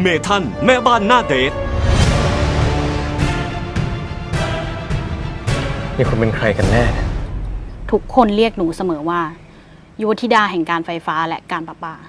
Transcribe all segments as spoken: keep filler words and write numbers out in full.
เมทัลแม่บ้านหน้าเดทนี่คุณเป็นใครกันแน่ทุกคนเรียกหนูเสมอว่ายุวธิดาแห่งการไฟฟ้าและการประปา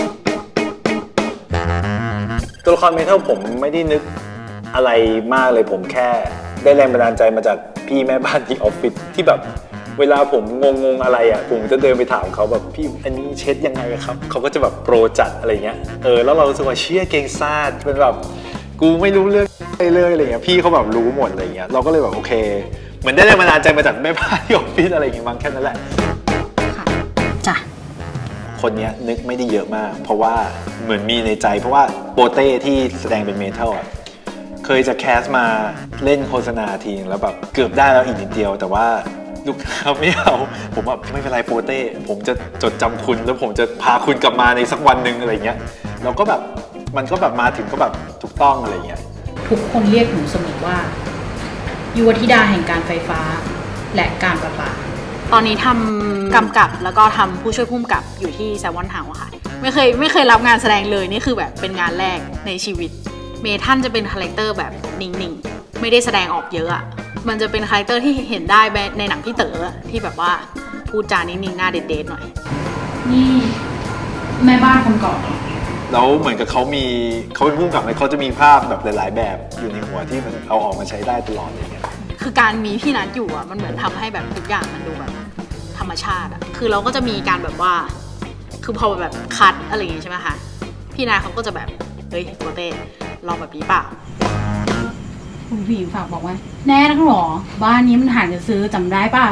ตัวละครเมทัลผมไม่ได้นึกอะไรมากเลยผมแค่ได้แรงบันดาลใจมาจากพี่แม่บ้านที่ออฟฟิศที่แบบเวลาผมงงๆอะไรอ่ะผมจะเดินไปถามเขาแบบพี่อันนี้เช็ดยังไงครับเขาก็จะแบบโปรจัดอะไรเงี้ยเออแล้วเรารู้สึกว่าเชี่ยเก่งซาดเป็นแบบกูไม่รู้เรื่องอะไรเลยอะไรเงี้ยพี่เขาแบบรู้หมดอะไรเงี้ยเราก็เลยแบบโอเคเหมือนได้แรงบันดาลใจมาจากแม่บ้านที่ออฟฟิศอะไรอย่างเงี้ยมั้งแค่นั้นแหละค่ะจ้ะคนนี้นึกไม่ได้เยอะมากเพราะว่าเหมือนมีในใจเพราะว่าโปเต้ที่แสดงเป็นเมทัลอ่ะเคยจะแคสมาเล่นโฆษณาทีแล้วแบบเกือบได้แล้วอีกนิดเดียวแต่ว่าลูกค้าไม่เอาผมแบบไม่เป็นไรโปเต้ผมจะจดจำคุณแล้วผมจะพาคุณกลับมาในสักวันหนึ่งอะไรเงี้ยเราก็แบบมันก็แบบมาถึงก็แบบถูกต้องอะไรเงี้ยทุกคนเรียกหนูเสมอว่ายุวธิดาแห่งการไฟฟ้าและการประปาตอนนี้ทำกำกับแล้วก็ทำผู้ช่วยผู้กำกับอยู่ที่แซลมอนเฮาส์ค่ะไม่เคยไม่เคยรับงานแสดงเลยนี่คือแบบเป็นงานแรกในชีวิตเมทัลจะเป็นคาแรคเตอร์แบบนิ่งๆไม่ได้แสดงออกเยอะอะมันจะเป็นคาแรคเตอร์ที่เห็นได้ในหนังพี่เต๋อที่แบบว่าพูดจานิ่งๆหน้าเด็ดๆหน่อยนี่แม่บ้านคนก่อนแล้วเหมือนกับเขามีเขาเป็นผู้กำกับเขาจะมีภาพแบบหลายๆแบบอยู่ในหัวที่มันเอาออกมาใช้ได้ตลอดอย่างเงี้ยคือการมีพี่นัทอยู่อะมันเหมือนทำให้แบบทุกอย่างมันดูแบบธรรมชาติอะคือเราก็จะมีการแบบว่าคือพอแบบคัดอะไรอย่างงี้ใช่ไหมคะพี่นัทเขาก็จะแบบเฮ้ยโปเต้ลองแบบนี้เปล่าคุณผู้หญิงฝากบอกว่าแน่นักหรอบ้านนี้มันหาจะซื้อจำได้เปล่า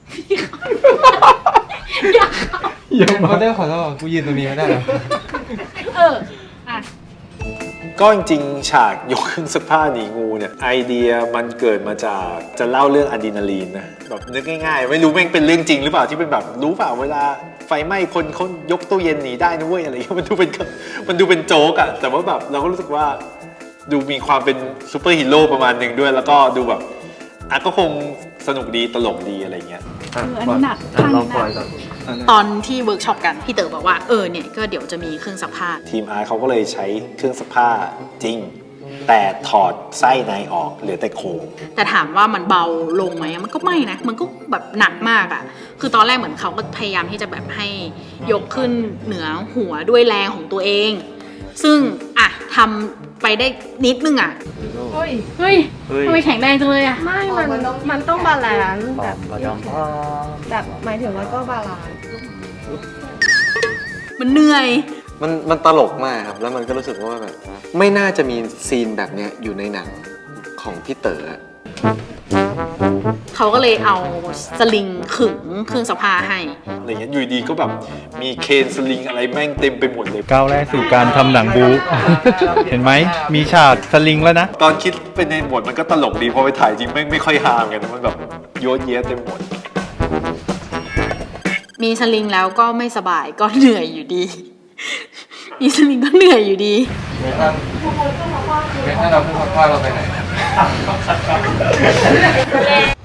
อยากอย่ามาได้ขอโทษกูยืนตรงนี้ไม่ได้หรอเอออ่ะก็จริงๆฉากยกเครื่องซักผ้าหนีงูเนี่ยไอเดียมันเกิดมาจากจะเล่าเรื่องอะดรีนาลีนนะแบบนึกง่ายๆไม่รู้แม่งเป็นเรื่องจริงหรือเปล่าที่เป็นแบบรู้เปล่าเวลาไฟไหม้คนเขายกตู้เย็นหนีได้นะเว้ยอะไรอย่างเงี้ยมันดูเป็นมันดูเป็นโจ๊กอะแต่ว่าแบบเราก็รู้สึกว่าดูมีความเป็นซูเปอร์ฮีโร่ประมาณหนึ่งด้วยแล้วก็ดูแบบอ่ะก็คงสนุกดีตลกดีอะไรเงี้ยเอออันนี้หนักลองปล่อยก่อนตอนที่เวิร์กช็อปกันพี่เต๋อบอกว่าเออเนี่ยก็เดี๋ยวจะมีเครื่องซักผ้าทีมอาร์เขาก็เลยใช้เครื่องซักผ้าจริงแต่ถอดไส้ในออกเหลือแต่โครงแต่ถามว่ามันเบาลงไหมมันก็ไม่นะมันก็แบบหนักมากอ่ะคือตอนแรกเหมือนเขาก็พยายามที่จะแบบให้ยกขึ้นเหนือหัวด้วยแรงของตัวเองซึ่งอ่ะทำไปได้นิดนึงอ่ะเฮ้ยเฮ้ยทำไมแข็งแรงจังเลยอ่ะไม่มันมันต้องบาลานซ์แบบแบบหมายถึงว่าก็บาลานซ์มันเหนื่อยมันมันตลกมากครับแล้วมันก็รู้สึกว่าแบบไม่น่าจะมีซีนแบบเนี้ยอยู่ในหนังของพี่เต๋อเขาก็เลยเอาสลิงขึงเครื่องซักผ้าให้อะไรเงี้ยอยู่ดีก็แบบมีเคนสลิงอะไรแม่งเต็มไปหมดเลยก้าวแรกสู่การทำหนังบู๊ เห็นไหมมีฉากสลิงแล้วนะตอนคิดเป็นในบทมันก็ตลกดีพอไปถ่ายจริงแม่งไม่ค่อยฮามกันมันแบบโยนเยะเต็มหมดมีสลิงแล้วก็ไม่สบายก็เหนื่อยอยู่ดีมีสลิงก็เหนื่อยอยู่ดีไม่ท่านไม่ท่านเราพูดว่าเราไปไหน